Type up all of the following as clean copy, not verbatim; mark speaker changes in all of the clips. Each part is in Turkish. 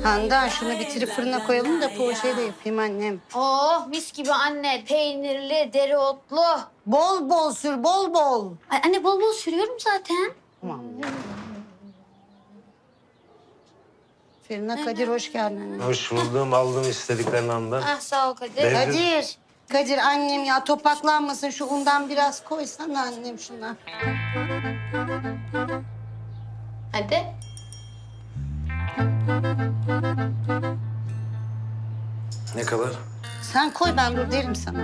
Speaker 1: Handan şunu bitirip fırına koyalım da poğaçayı da yapayım annem.
Speaker 2: Oh mis gibi anne. Peynirli, dereotlu.
Speaker 1: Bol bol sür, bol bol.
Speaker 2: Ay, anne bol bol sürüyorum zaten.
Speaker 1: Tamam. Fırına Kadir hoş geldin anne.
Speaker 3: Hoş buldum, aldım istediklerini andan.
Speaker 2: Ah sağ ol Kadir.
Speaker 3: Ben-
Speaker 1: Kadir. Kadir annem ya topaklanmasın şu undan biraz koysana annem şuna.
Speaker 2: Hadi.
Speaker 3: Ne kadar?
Speaker 1: Sen koy ben dur derim sana.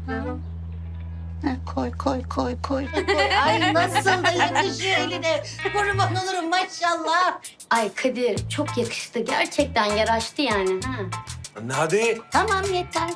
Speaker 1: Heh, koy. Ay nasıl da yakışıyor eline. Kurban olurum maşallah.
Speaker 2: Ay Kadir çok yakıştı. Gerçekten yaraştı yani. Ha.
Speaker 3: Anne hadi.
Speaker 1: Tamam yeter.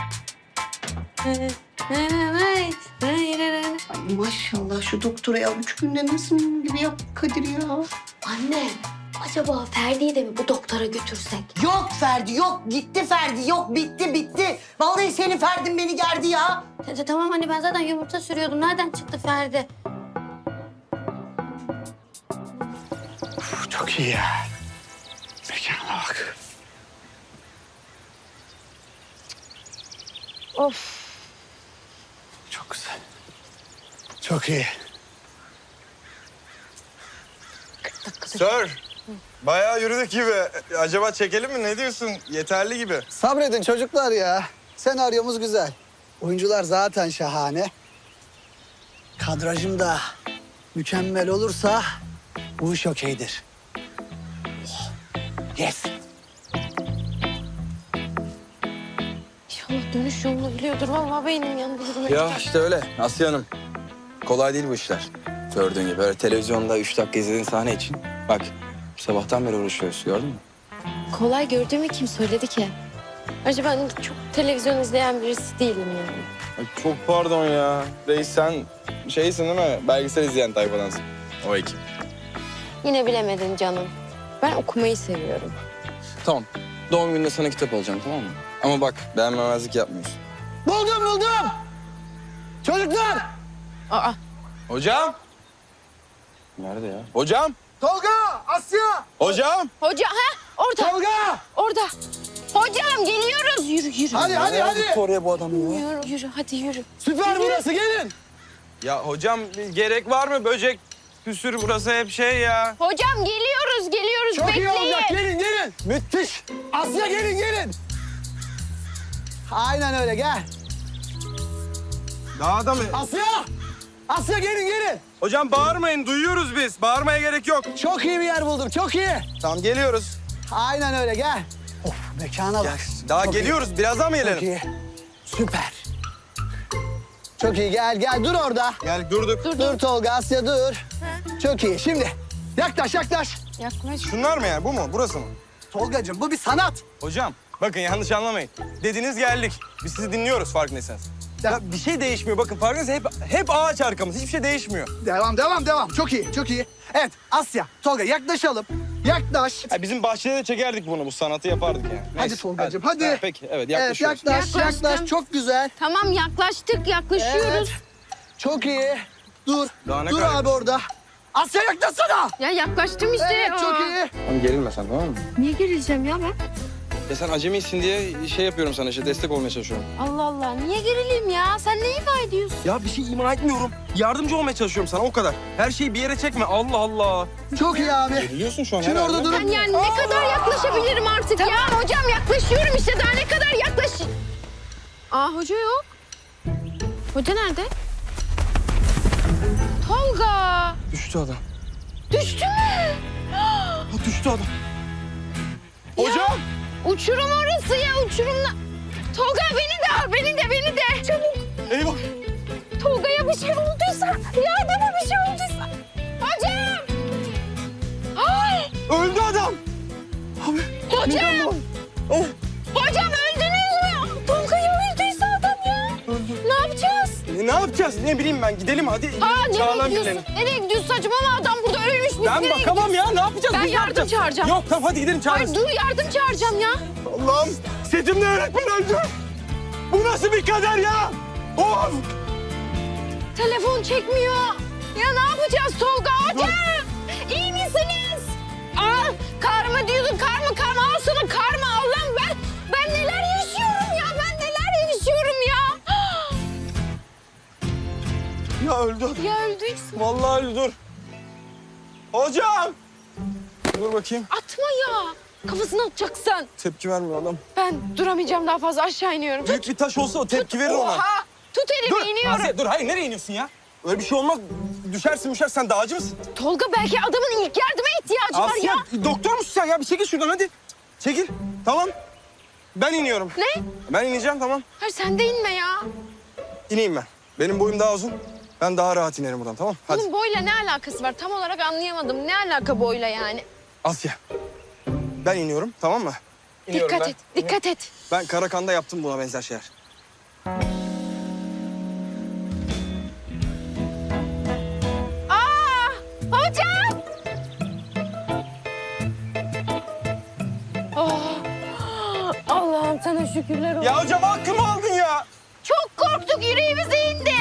Speaker 1: Ay maşallah şu doktora ya 3 günde nasıl mum gibi yaptı Kadir ya.
Speaker 2: Anne acaba Ferdi'yi de mi bu doktora götürsek?
Speaker 1: Yok Ferdi yok gitti Ferdi yok bitti. Vallahi senin Ferdin beni gerdi ya.
Speaker 2: Tamam anne ben zaten yumurta sürüyordum. Nereden çıktı Ferdi?
Speaker 4: Çok iyi ya. Mekana bak.
Speaker 2: Of.
Speaker 4: Çok güzel. Çok iyi.
Speaker 5: Sir, bayağı yürüdük gibi. Acaba çekelim mi? Ne diyorsun? Yeterli gibi.
Speaker 6: Sabredin çocuklar ya. Senaryomuz güzel. Oyuncular zaten şahane. Kadrajım da mükemmel olursa bu iş okeydir. Oh, yes.
Speaker 7: İnşallah dönüş yolunu biliyordur. Vallahi beynim yandı.
Speaker 8: Ya işte öyle Asya Hanım. Kolay değil bu işler. Gördüğün gibi öyle televizyonda 3 dakika izlediğin sahne için. Bak sabahtan beri uğraşıyoruz gördün mü?
Speaker 7: Kolay gördüğümü kim söyledi ki? Ayrıca ben çok televizyon izleyen birisi değilim yani.
Speaker 5: Ay, çok pardon ya. Reis sen şeysin değil mi? Belgesel izleyen tayfadansın. O ekip.
Speaker 7: Yine bilemedin canım. Ben okumayı seviyorum.
Speaker 8: Tamam. Doğum gününde sana kitap alacağım tamam mı? Ama bak beğenmemezlik yapmıyorsun.
Speaker 6: Buldum. Çocuklar.
Speaker 7: Aa,
Speaker 5: Hocam!
Speaker 8: Nerede ya?
Speaker 5: Hocam!
Speaker 6: Tolga, Asya.
Speaker 5: Hocam!
Speaker 7: hoca orada.
Speaker 6: Tolga.
Speaker 7: Orada. Hocam geliyoruz. Yürü.
Speaker 6: Hadi.
Speaker 8: Oraya bu adamı ya.
Speaker 7: Yürü hadi yürü.
Speaker 6: Süper burası gelin.
Speaker 5: Ya hocam gerek var mı? Böcek püsür burası hep şey ya.
Speaker 7: Hocam geliyoruz.
Speaker 6: Çok
Speaker 7: Bekleyin.
Speaker 6: iyi olacak. Gelin. Müthiş. Asya gelin. Aynen öyle gel.
Speaker 5: Daha da mı?
Speaker 6: Asya gelin.
Speaker 5: Hocam bağırmayın. Duyuyoruz biz. Bağırmaya gerek yok.
Speaker 6: Çok iyi bir yer buldum. Çok iyi.
Speaker 5: Tamam geliyoruz.
Speaker 6: Aynen öyle gel. Of mekana bak.
Speaker 5: Daha
Speaker 6: Çok
Speaker 5: geliyoruz. Birazdan mı
Speaker 6: Çok
Speaker 5: gelelim?
Speaker 6: iyi. Süper. Çok iyi gel dur orada.
Speaker 5: Gel durduk.
Speaker 6: Dur Tolga Asya dur. Çok iyi şimdi yaklaş.
Speaker 7: Yaklaş.
Speaker 5: Şunlar mı yani? Bu mu? Burası mı?
Speaker 6: Tolgacığım bu bir sanat.
Speaker 5: Hocam bakın yanlış anlamayın. Dediniz geldik. Biz sizi dinliyoruz farkındaysanız. Ya bir şey değişmiyor. Bakın farkındaysanız hep ağaç arkamız. Hiçbir şey değişmiyor.
Speaker 6: Devam. Çok iyi. Evet Asya, Tolga yaklaşalım. Yaklaş.
Speaker 5: Ya bizim bahçede de çekerdik bunu. Bu sanatı yapardık yani.
Speaker 6: Hadi Tolgacığım, hadi.
Speaker 5: Ha, peki evet
Speaker 6: Evet
Speaker 5: yaklaşıyoruz.
Speaker 6: yaklaş.
Speaker 7: Yaklaştım.
Speaker 6: Çok güzel.
Speaker 7: Tamam yaklaşıyoruz.
Speaker 6: Çok iyi. Dur.
Speaker 5: Daha ne
Speaker 6: Dur
Speaker 5: kadar-
Speaker 6: abi orada. Asya yaklaşsana.
Speaker 7: Ya yaklaştım işte.
Speaker 6: Evet çok iyi.
Speaker 8: Tamam gerilme sen tamam mı?
Speaker 7: Niye gerileceğim ya ben?
Speaker 8: Ya sen acemisin diye şey yapıyorum sana işte destek olmaya çalışıyorum.
Speaker 7: Allah Allah. Niye gerileyim ya? Sen ne ifade ediyorsun?
Speaker 5: Ya bir şey ima etmiyorum. Yardımcı olmaya çalışıyorum sana o kadar. Her şeyi bir yere çekme. Allah Allah.
Speaker 6: Çok iyi abi.
Speaker 8: Geriliyorsun şu an
Speaker 6: Şimdi
Speaker 8: herhalde.
Speaker 6: orada durun.
Speaker 7: Ben yani ne kadar yaklaşabilirim artık ya? Hocam yaklaşıyorum işte. Daha ne kadar yaklaş... Aa hoca yok. Hoca nerede? Tolga.
Speaker 8: Düştü adam.
Speaker 7: Düştü mü?
Speaker 5: Ha, düştü adam. Hocam.
Speaker 7: Uçurum orası ya uçurumla. Tolga beni de. Çabuk.
Speaker 5: Eyvah.
Speaker 7: Tolga'ya bir şey olduysa. Yardıma bir şey olduysa. Hocam. Ay.
Speaker 5: Öldü adam. Abi.
Speaker 7: Hocam.
Speaker 5: Oh.
Speaker 7: Hocam öldünüz mü? Tolga'ya öldüyse adam ya. Ne yapacağız?
Speaker 5: Ne yapacağız? Ne bileyim ben. Gidelim hadi.
Speaker 7: Nereye
Speaker 5: Çağıralım
Speaker 7: gidiyorsun?
Speaker 5: birilerini.
Speaker 7: Nereye gidiyorsun saçmalama adam burada ölmüş. Biz
Speaker 5: Ben
Speaker 7: nereye
Speaker 5: bakamam
Speaker 7: gidiyoruz?
Speaker 5: ya. Ne yapacağız?
Speaker 7: Ben
Speaker 5: Biz ne
Speaker 7: yardım
Speaker 5: yapacağız?
Speaker 7: çağıracağım.
Speaker 5: Yok tamam hadi gidelim çağırırız.
Speaker 7: Ay dur yardım çağıracağım ya.
Speaker 5: Allah'ım setimde öğretmen öldü. Bu nasıl bir kader ya? Of.
Speaker 7: Telefon çekmiyor. Ya ne yapacağız Tolga hocam? İyi misiniz? Aa, kar mı diyordun kar mı? Al sana
Speaker 5: Vallahi öldü.
Speaker 7: Ya öldüyse?
Speaker 5: Vallahi öldü, dur. Hocam! Dur bakayım.
Speaker 7: Atma ya. Kafasını atacaksın.
Speaker 5: Tepki vermiyor adam.
Speaker 7: Ben duramayacağım daha fazla aşağı iniyorum.
Speaker 5: Büyük bir taş olsa o tepki verir ona.
Speaker 7: Oha! Tut elimi
Speaker 5: Dur
Speaker 7: iniyorum.
Speaker 5: Asiye, dur. Hayır, nereye iniyorsun ya? Öyle bir şey olmaz. Düşersin. Sen dağcı mısın?
Speaker 7: Tolga belki adamın ilk yardıma ihtiyacı var
Speaker 5: Asiye,
Speaker 7: ya.
Speaker 5: doktor musun sen ya? Bir çekil şuradan hadi. Çekil. Tamam. Ben iniyorum.
Speaker 7: Ne?
Speaker 5: Ben ineceğim, tamam.
Speaker 7: Hayır sen de inme ya.
Speaker 5: İneyim ben. Benim boyum daha uzun. Ben daha rahat inerim buradan, tamam? Hadi.
Speaker 7: Bunun boyla ne alakası var? Tam olarak anlayamadım. Ne alaka boyla yani?
Speaker 5: Asya. Ben iniyorum, tamam mı? İniyorum
Speaker 7: Dikkat
Speaker 5: ben.
Speaker 7: et, dikkat et.
Speaker 5: Ben Karakan'da yaptım buna benzer şeyler.
Speaker 7: Aa! Hocam! Oh! Allah'ım sana şükürler olsun.
Speaker 5: Ya hocam hakkımı aldın ya.
Speaker 7: Çok korktuk, yüreğimize indi.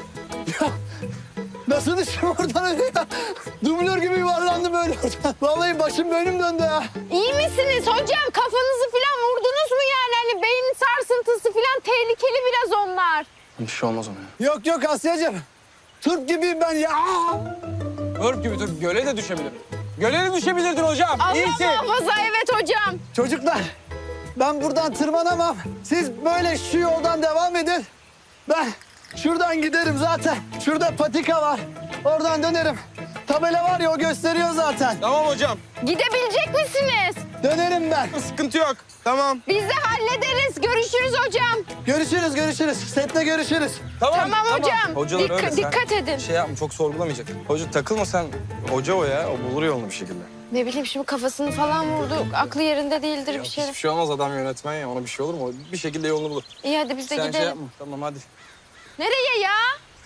Speaker 6: Nasıl düştüm oradan öyle ya? Dublör gibi yuvarlandım böyle oradan. Vallahi başım bölüm döndü ya.
Speaker 7: İyi misiniz hocam? Kafanızı falan vurdunuz mu yani? Hani beyin sarsıntısı falan tehlikeli biraz onlar.
Speaker 8: Bir şey olmaz ona.
Speaker 6: Yok yok Asya'cığım. Turp gibiyim ben ya.
Speaker 5: Örp gibi dur. Göle de düşebilirim. Göle de düşebilirdin hocam.
Speaker 7: Allah
Speaker 5: İyisin.
Speaker 7: muhafaza, evet hocam.
Speaker 6: Çocuklar ben buradan tırmanamam. Siz böyle şu yoldan devam edin. Ben şuradan giderim zaten. Şurada patika var. Oradan dönerim. Tabela var ya o gösteriyor zaten.
Speaker 5: Tamam hocam.
Speaker 7: Gidebilecek misiniz?
Speaker 6: Dönerim ben.
Speaker 5: Sıkıntı yok. Tamam.
Speaker 7: Biz de hallederiz. Görüşürüz hocam.
Speaker 6: Görüşürüz. Sette görüşürüz.
Speaker 7: Tamam hocam.
Speaker 5: Hocalar öyle. Sen
Speaker 7: Dikkat edin.
Speaker 5: Şey yapma, çok sorgulamayacak. Hoca takılma sen. Hoca o ya. O bulur yolunu bir şekilde.
Speaker 7: Ne bileyim şimdi kafasını falan vurdu. Aklı yerinde değildir bir şey.
Speaker 5: Hiçbir şey olmaz, adam yönetmen ya. Ona bir şey olur mu? O bir şekilde yolunu bulur.
Speaker 7: İyi hadi biz de
Speaker 5: Sen şey
Speaker 7: gidelim.
Speaker 5: yapma. Tamam hadi.
Speaker 7: Nereye ya?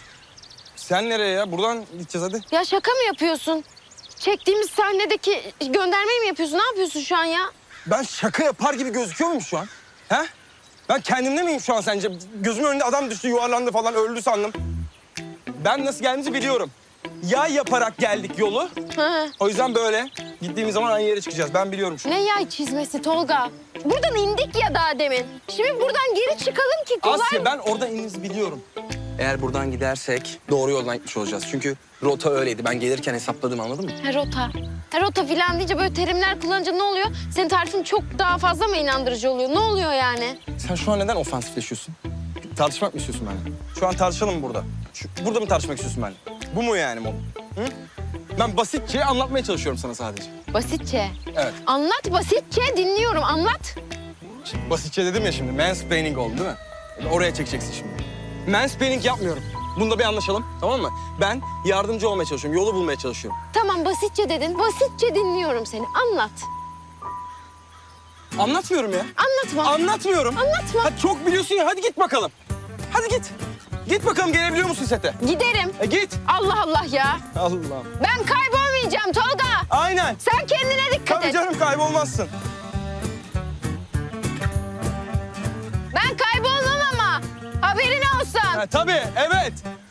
Speaker 5: Sen nereye ya? Buradan gideceğiz hadi.
Speaker 7: Ya şaka mı yapıyorsun? Çektiğimiz sahnedeki göndermeyi mi yapıyorsun? Ne yapıyorsun şu an ya?
Speaker 5: Ben şaka yapar gibi gözüküyor muyum şu an? He? Ben kendimde miyim şu an sence? Gözümün önünde adam düştü, yuvarlandı falan, öldü sandım. Ben nasıl geldiğimizi biliyorum. Yay yaparak geldik yolu.
Speaker 7: Hı.
Speaker 5: O yüzden böyle gittiğimiz zaman aynı yere çıkacağız. Ben biliyorum şu an.
Speaker 7: Ne yay çizmesi Tolga? Buradan indik ya daha demin. Şimdi buradan geri çıkalım ki kolay
Speaker 5: Asya,
Speaker 7: mı?
Speaker 5: ben orada ininizi biliyorum.
Speaker 8: Eğer buradan gidersek doğru yoldan gitmiş olacağız. Çünkü rota öyleydi. Ben gelirken hesapladım, anladın mı?
Speaker 7: Rota. Rota filan deyince böyle terimler kullanınca ne oluyor? Senin tarifin çok daha fazla mı inandırıcı oluyor? Ne oluyor yani?
Speaker 5: Sen şu an neden ofansifleşiyorsun? Tartışmak mı istiyorsun benimle? Şu an tartışalım mı burada? Burada mı tartışmak istiyorsun benimle? Bu mu yani mod? Hı? Ben basitçe anlatmaya çalışıyorum sana sadece.
Speaker 7: Basitçe.
Speaker 5: Evet.
Speaker 7: Anlat basitçe, dinliyorum. Anlat.
Speaker 5: Şimdi basitçe dedim ya şimdi. Mansplaining oldu değil mi? Oraya çekeceksin şimdi. Mansplaining yapmıyorum. Bunda bir anlaşalım, tamam mı? Ben yardımcı olmaya çalışıyorum, yolu bulmaya çalışıyorum.
Speaker 7: Tamam basitçe dedin. Basitçe dinliyorum seni. Anlat.
Speaker 5: Anlatmıyorum ya.
Speaker 7: Anlatma.
Speaker 5: Anlatmıyorum.
Speaker 7: Anlatma.
Speaker 5: Hadi çok biliyorsun ya, hadi git bakalım. Hadi git. Git bakalım, gelebiliyor musun sete?
Speaker 7: Giderim.
Speaker 5: Git.
Speaker 7: Allah Allah ya.
Speaker 5: Allah'ım.
Speaker 7: Ben kaybolmayacağım Tolga.
Speaker 5: Aynen.
Speaker 7: Sen kendine dikkat
Speaker 5: Tabii
Speaker 7: et.
Speaker 5: canım, kaybolmazsın.
Speaker 7: Ben kaybolmam ama. Haberin olsun.
Speaker 5: Ha, tabii, evet.